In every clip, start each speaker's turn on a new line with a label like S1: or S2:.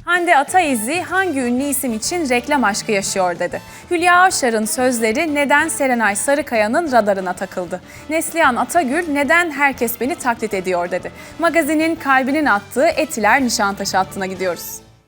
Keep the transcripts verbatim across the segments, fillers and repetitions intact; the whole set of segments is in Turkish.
S1: Hande Ataizi hangi ünlü isim için reklam aşkı yaşıyor dedi. Hülya Avşar'ın sözleri neden Serenay Sarıkaya'nın radarına takıldı. Neslihan Atagül neden herkes beni taklit ediyor dedi. Magazinin kalbinin attığı Etiler Nişantaşı hattına gidiyoruz.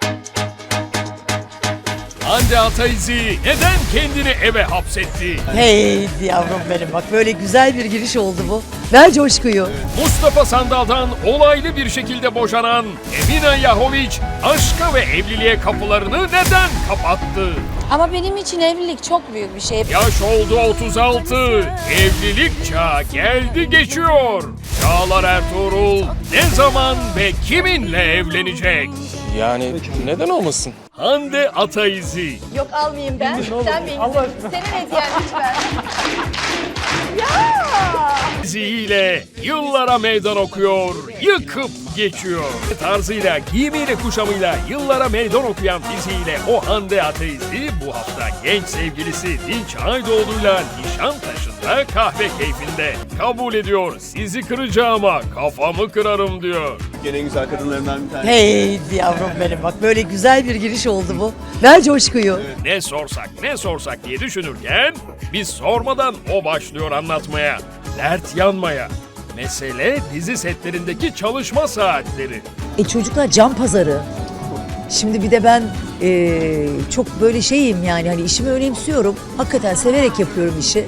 S2: Hande Ataizi neden kendini eve hapsetti?
S3: Hey yavrum benim, bak böyle güzel bir giriş oldu bu. Ver coşkuyu.
S2: Mustafa Sandal'dan olaylı bir şekilde boşanan Emine Yahoviç aşka ve evliliğe kapılarını neden kapattı?
S4: Ama benim için evlilik çok büyük bir şey.
S2: Yaş oldu otuz altı, evlilik çağı geldi geçiyor. Çağlar Ertuğrul ne zaman ve kiminle evlenecek?
S5: Yani neden olmasın?
S2: Hande Ataizi.
S4: Yok almayayım ben. Sen benim. Senin hediyen lütfen. Ya!
S2: Diziyle yıllara meydan okuyor, yıkıp geçiyor. Tarzıyla, giyimiyle, kuşamıyla yıllara meydan okuyan diziyle o Hande Ataizi bu hafta genç sevgilisi Dinç Aydoğdu'yla Nişantaşı'nda kahve keyfinde. Kabul ediyor, sizi kıracağıma kafamı kırarım diyor.
S6: Gene en güzel kadınlarından bir tanesi.
S3: Hey yavrum benim, bak böyle güzel bir giriş oldu bu. Ver coşkuyu.
S2: Ne sorsak ne sorsak diye düşünürken biz sormadan o başlıyor anlatmaya, dert yanmaya. Mesele dizi setlerindeki çalışma saatleri.
S3: E çocuklar can pazarı. Şimdi bir de ben e, çok böyle şeyim yani hani işimi önemsiyorum. Hakikaten severek yapıyorum işi.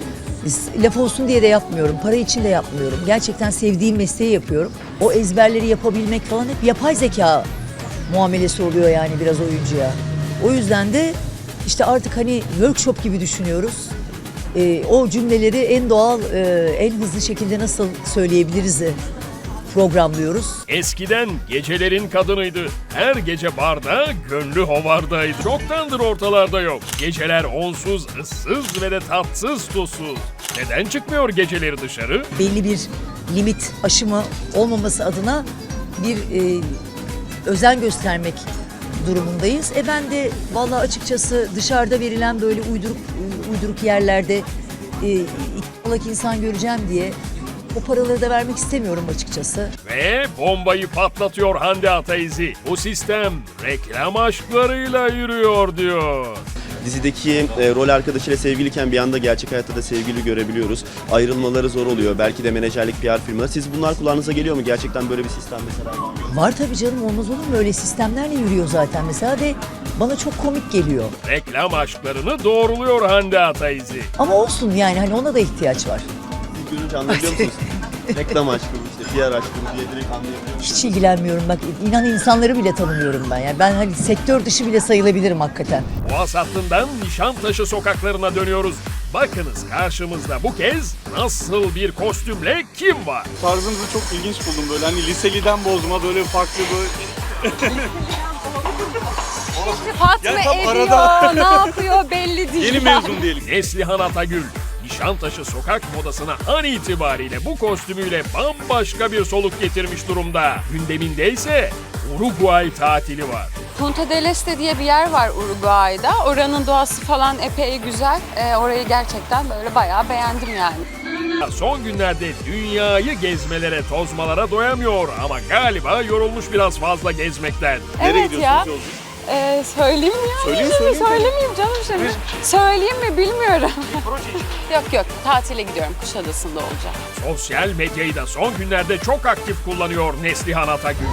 S3: Laf olsun diye de yapmıyorum. Para için de yapmıyorum. Gerçekten sevdiğim mesleği yapıyorum. O ezberleri yapabilmek falan hep yapay zeka muamelesi oluyor yani biraz oyuncuya. O yüzden de işte artık hani workshop gibi düşünüyoruz. Ee, o cümleleri en doğal, e, en hızlı şekilde nasıl söyleyebiliriz programlıyoruz.
S2: Eskiden gecelerin kadınıydı. Her gece barda, gönlü hovardaydı. Çoktandır ortalarda yok. Geceler onsuz, ıssız ve de tatsız tuzsuz. Neden çıkmıyor geceleri dışarı?
S3: Belli bir limit aşımı olmaması adına bir e, özen göstermek durumundayız. E ben de vallahi açıkçası dışarıda verilen böyle uyduruk uyduruk yerlerde e, iki insan göreceğim diye o paraları da vermek istemiyorum açıkçası.
S2: Ve bombayı patlatıyor Hande Ataizi. Bu sistem reklam aşklarıyla yürüyor diyor.
S6: Dizideki e, rol arkadaşıyla sevgiliyken bir anda gerçek hayatta da sevgili görebiliyoruz. Ayrılmaları zor oluyor. Belki de menajerlik P R firmaları. Siz bunlar kulağınıza geliyor mu? Gerçekten böyle bir sistem mesela var mı?
S3: Var tabii canım, olmaz olur mu? Öyle sistemlerle yürüyor zaten mesela ve bana çok komik geliyor.
S2: Reklam aşklarını doğruluyor Hande Ataizi.
S3: Ama olsun yani hani ona da ihtiyaç var.
S6: Siz görünce anlayabiliyor musunuz? Reklam aşkı mı işte, P R aşkı mı diye direkt anlayabiliyor musunuz?
S3: Hiç ilgilenmiyorum bak, inan insanları bile tanımıyorum ben yani. Ben hani sektör dışı bile sayılabilirim hakikaten.
S2: Boğaz hattından Nişantaşı sokaklarına dönüyoruz. Bakınız karşımızda bu kez nasıl bir kostümle kim var?
S7: Tarzınızı çok ilginç buldum böyle. Hani liseliden bozma böyle farklı böyle.
S4: Fatma
S7: Ya tam
S4: ediyor,
S7: arada.
S4: ne yapıyor belli değil.
S7: Yeni mezun diyelim.
S2: Neslihan Atagül, Nişantaşı sokak modasına an itibariyle bu kostümüyle bambaşka bir soluk getirmiş durumda. Gündeminde ise Uruguay tatili var.
S8: Punta del Este diye bir yer var Uruguay'da. Oranın doğası falan epey güzel. Ee, orayı gerçekten böyle bayağı beğendim yani.
S2: Son günlerde dünyayı gezmelere, tozmalara doyamıyor ama galiba yorulmuş biraz fazla gezmekten.
S7: Nereye
S8: Evet ya.
S7: gidiyorsunuz yolculuk?
S8: Ee, söyleyeyim mi ya?
S7: Söyleyin,
S8: Şimdi
S7: söyleyin.
S8: Söylemeyeyim canım şimdi. Söyleyeyim mi bilmiyorum. yok yok, tatile gidiyorum. Kuşadası'nda olacağım.
S2: Sosyal medyayı da son günlerde çok aktif kullanıyor Neslihan Atagül.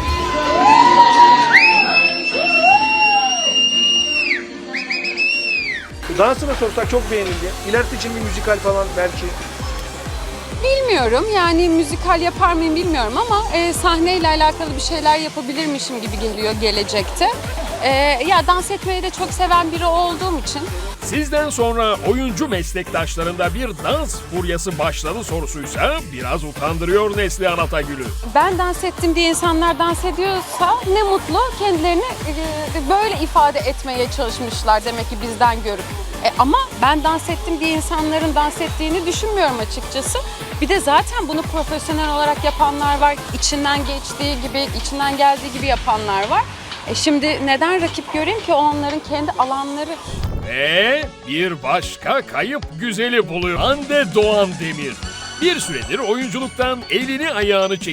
S9: Dansı da sorsak çok beğenildi. İlerisi için bir müzikal falan belki.
S8: Bilmiyorum yani müzikal yapar mıyım bilmiyorum ama e, sahneyle alakalı bir şeyler yapabilirmişim gibi geliyor gelecekte. E, ya dans etmeyi de çok seven biri olduğum için.
S2: Sizden sonra oyuncu meslektaşlarında bir dans furyası başladı sorusuysa biraz utandırıyor Neslihan Atagül'ü.
S8: Ben dans ettim diye insanlar dans ediyorsa ne mutlu, kendilerini e, böyle ifade etmeye çalışmışlar demek ki bizden görüp. E, ama ben dans ettim diye insanların dans ettiğini düşünmüyorum açıkçası. Bir de zaten bunu profesyonel olarak yapanlar var, içinden geçtiği gibi, içinden geldiği gibi yapanlar var. E şimdi neden rakip göreyim ki, o onların kendi alanları.
S2: Ve bir başka kayıp güzeli buluyor. Hande Doğan Demir. Bir süredir oyunculuktan elini ayağını çekip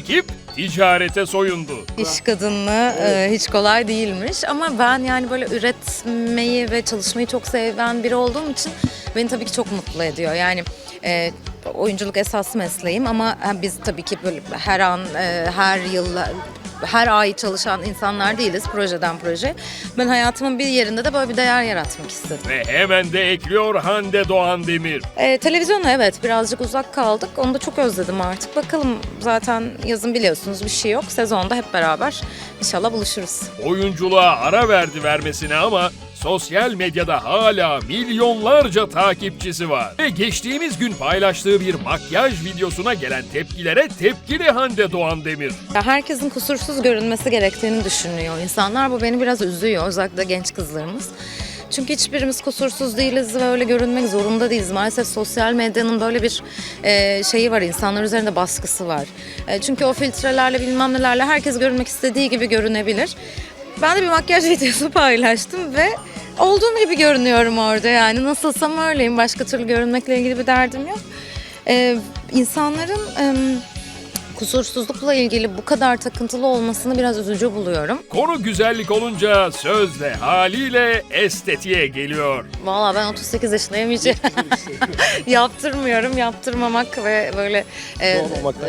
S2: ticarete soyundu.
S10: İş kadını e, hiç kolay değilmiş ama ben yani böyle üretmeyi ve çalışmayı çok seven biri olduğum için beni tabii ki çok mutlu ediyor. Yani e, oyunculuk esas mesleğim ama biz tabii ki böyle her an, e, her yıl, her ay çalışan insanlar değiliz projeden proje. Ben hayatımın bir yerinde de böyle bir değer yaratmak istedim.
S2: Ve hemen de ekliyor Hande Doğan Demir.
S10: E, televizyona evet birazcık uzak kaldık. Onu da çok özledim artık. Bakalım zaten yazın biliyorsunuz bir şey yok. Sezonda hep beraber inşallah buluşuruz.
S2: Oyunculuğa ara verdi vermesine ama sosyal medyada hala milyonlarca takipçisi var. Ve geçtiğimiz gün paylaştığı bir makyaj videosuna gelen tepkilere tepkili Hande Doğan Demir.
S10: Ya herkesin kusursuz görünmesi gerektiğini düşünüyor insanlar. Bu beni biraz üzüyor, özellikle genç kızlarımız. Çünkü hiçbirimiz kusursuz değiliz ve öyle görünmek zorunda değiliz. Maalesef sosyal medyanın böyle bir e, şeyi var, insanlar üzerinde baskısı var. E, çünkü o filtrelerle bilmem nelerle herkes görünmek istediği gibi görünebilir. Ben de bir makyaj videosu paylaştım ve olduğum gibi görünüyorum orada yani. Nasılsam öyleyim, başka türlü görünmekle ilgili bir derdim yok. E, insanların... E, kusursuzlukla ilgili bu kadar takıntılı olmasını biraz üzücü buluyorum.
S2: Konu güzellik olunca söz de haliyle estetiğe geliyor.
S10: Vallahi ben otuz sekiz yaşındayım hiç yaptırmıyorum, yaptırmamak ve böyle e, e,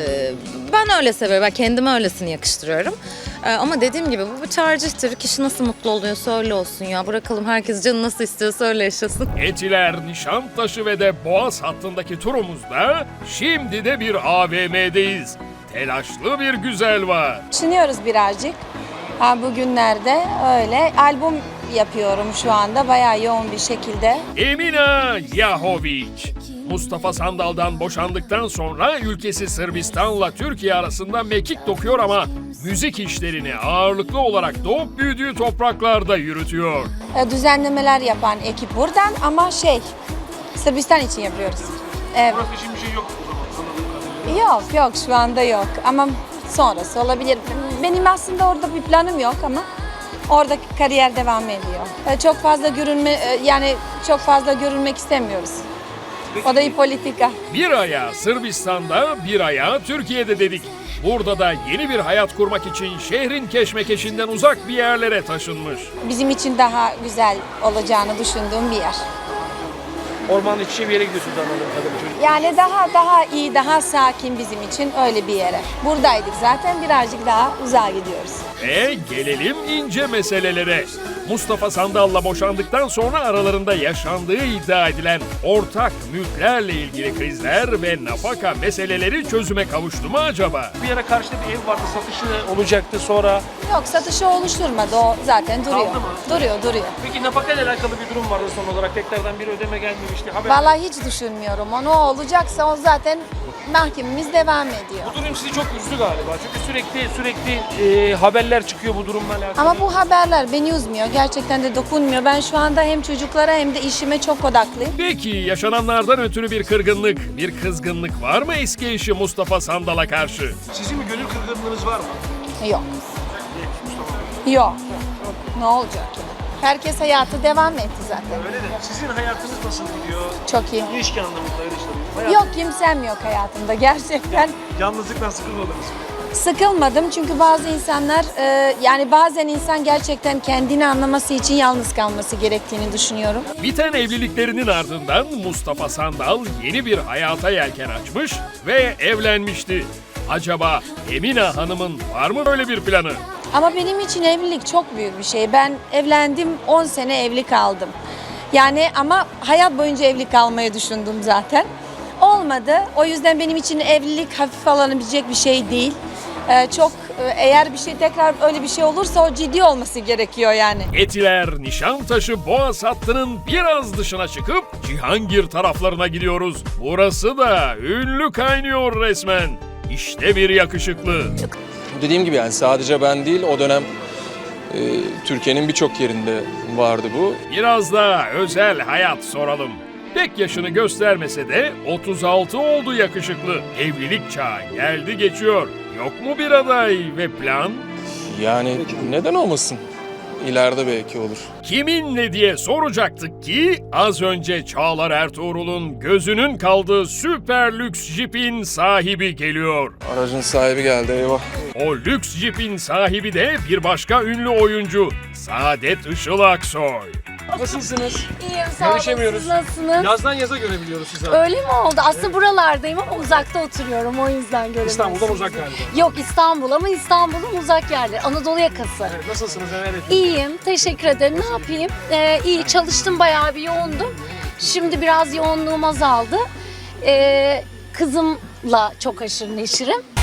S10: ben öyle seviyorum, ben kendime öylesini yakıştırıyorum. E, ama dediğim gibi bu bir tercihtir. Kişi nasıl mutlu oluyorsa öyle olsun ya. Bırakalım herkes canı nasıl istiyorsa öyle yaşasın.
S2: Etiler, Nişantaşı ve de Boğaz hattındaki turumuzda şimdi de bir A V M'deyiz. Telaşlı bir güzel var.
S4: Düşünüyoruz birazcık. Ha, bugünlerde öyle. Albüm yapıyorum şu anda bayağı yoğun bir şekilde.
S2: Emina Yahović. Mustafa Sandal'dan boşandıktan sonra ülkesi Sırbistan'la Türkiye arasında mekik dokuyor ama müzik işlerini ağırlıklı olarak doğup büyüdüğü topraklarda yürütüyor.
S4: E, düzenlemeler yapan ekip buradan ama şey Sırbistan için yapıyoruz. Evet.
S9: Burası için bir şey yok o zaman.
S4: Yok yok şu anda yok ama sonrası olabilir. Benim aslında orada bir planım yok ama orada kariyer devam ediyor. E, Çok fazla görünme e, yani çok fazla görünmek istemiyoruz. O da bir politika.
S2: Bir ayağı Sırbistan'da, bir ayağı Türkiye'de dedik. Burada da yeni bir hayat kurmak için şehrin keşmekeşinden uzak bir yerlere taşınmış.
S4: Bizim için daha güzel olacağını düşündüğüm bir yer.
S9: Ormanın içi bir yere gidiyorsunuz anladığım kadarıyla çocuk.
S4: Yani daha daha iyi, daha sakin bizim için öyle bir yere. Buradaydık zaten birazcık daha uzağa gidiyoruz.
S2: Ve gelelim ince meselelere. Mustafa Sandal'la boşandıktan sonra aralarında yaşandığı iddia edilen ortak mülklerle ilgili krizler ve nafaka meseleleri çözüme kavuştu mu acaba?
S9: Bir ara karşıda bir ev vardı, satışı olacaktı sonra.
S4: Yok satışı oluşturmadı o zaten duruyor.
S9: Kaldı mı?
S4: Duruyor duruyor.
S9: Peki nafaka ile alakalı bir durum vardı son olarak. Tekrardan bir ödeme gelmemişti. Haber...
S4: Vallahi hiç düşünmüyorum onu. O olacaksa o zaten mahkememiz devam ediyor.
S9: Bu durum sizi çok üzdü galiba. Çünkü sürekli sürekli e, haberler çıkıyor bu durumla alakalı.
S4: Ama bu haberler beni üzmüyor. Gerçekten de dokunmuyor. Ben şu anda hem çocuklara hem de işime çok odaklıyım.
S2: Peki yaşananlardan ötürü bir kırgınlık, bir kızgınlık var mı eski eşi Mustafa Sandal'a karşı?
S9: Sizin bir gönül kırgınlığınız var mı?
S4: Yok. Yok. Ne olacak ya? Herkes hayatı devam etti zaten.
S9: Öyle de sizin hayatınız nasıl gidiyor?
S4: Çok iyi.
S9: İlişki anlamında öyle soruyorum. Hayat-
S4: Yok kimsem yok hayatımda gerçekten.
S9: Yalnızlıktan sıkılmadınız mı?
S4: Sıkılmadım çünkü bazı insanlar e, yani bazen insan gerçekten kendini anlaması için yalnız kalması gerektiğini düşünüyorum.
S2: Biten evliliklerinin ardından Mustafa Sandal yeni bir hayata yelken açmış ve evlenmişti. Acaba Emina Hanım'ın var mı böyle bir planı?
S4: Ama benim için evlilik çok büyük bir şey. Ben evlendim on sene evli kaldım. Yani ama hayat boyunca evli kalmayı düşündüm zaten. Olmadı. O yüzden benim için evlilik hafif alınabilecek bir şey değil. Ee, çok e, eğer bir şey tekrar öyle bir şey olursa o ciddi olması gerekiyor yani.
S2: Etiler, Nişantaşı, Boğaz hattının biraz dışına çıkıp Cihangir taraflarına gidiyoruz. Burası da ünlü kaynıyor resmen. İşte bir yakışıklı.
S5: Dediğim gibi yani sadece ben değil o dönem e, Türkiye'nin birçok yerinde vardı bu.
S2: Biraz da özel hayat soralım. Pek yaşını göstermese de otuz altı oldu yakışıklı. Evlilik çağı geldi geçiyor. Yok mu bir aday ve plan?
S5: Yani neden olmasın? ileride belki olur.
S2: Kiminle diye soracaktık ki az önce Çağlar Ertuğrul'un gözünün kaldığı süper lüks jipin sahibi geliyor.
S5: Aracın sahibi geldi, eyvah.
S2: O lüks jipin sahibi de bir başka ünlü oyuncu Saadet Işıl Aksoy.
S9: Nasılsınız?
S11: İyiyim, sağ olun.
S9: Görüşemiyoruz.
S11: Siz nasılsınız?
S9: Yazdan yaza görebiliyoruz sizi.
S11: Öyle mi oldu? Aslında buralardayım ama uzakta oturuyorum. O yüzden göremiyorum.
S9: İstanbul'dan uzak galiba.
S11: Yok, İstanbul ama İstanbul'un uzak yerleri. Anadolu yakası.
S9: Evet, nasılsınız? Neler yapıyorsunuz?
S11: İyiyim, teşekkür ederim. Ne yapayım? Ee, iyi, çalıştım, bayağı bir yoğundum. Şimdi biraz yoğunluğum azaldı. Ee, kızımla çok aşırı neşirim.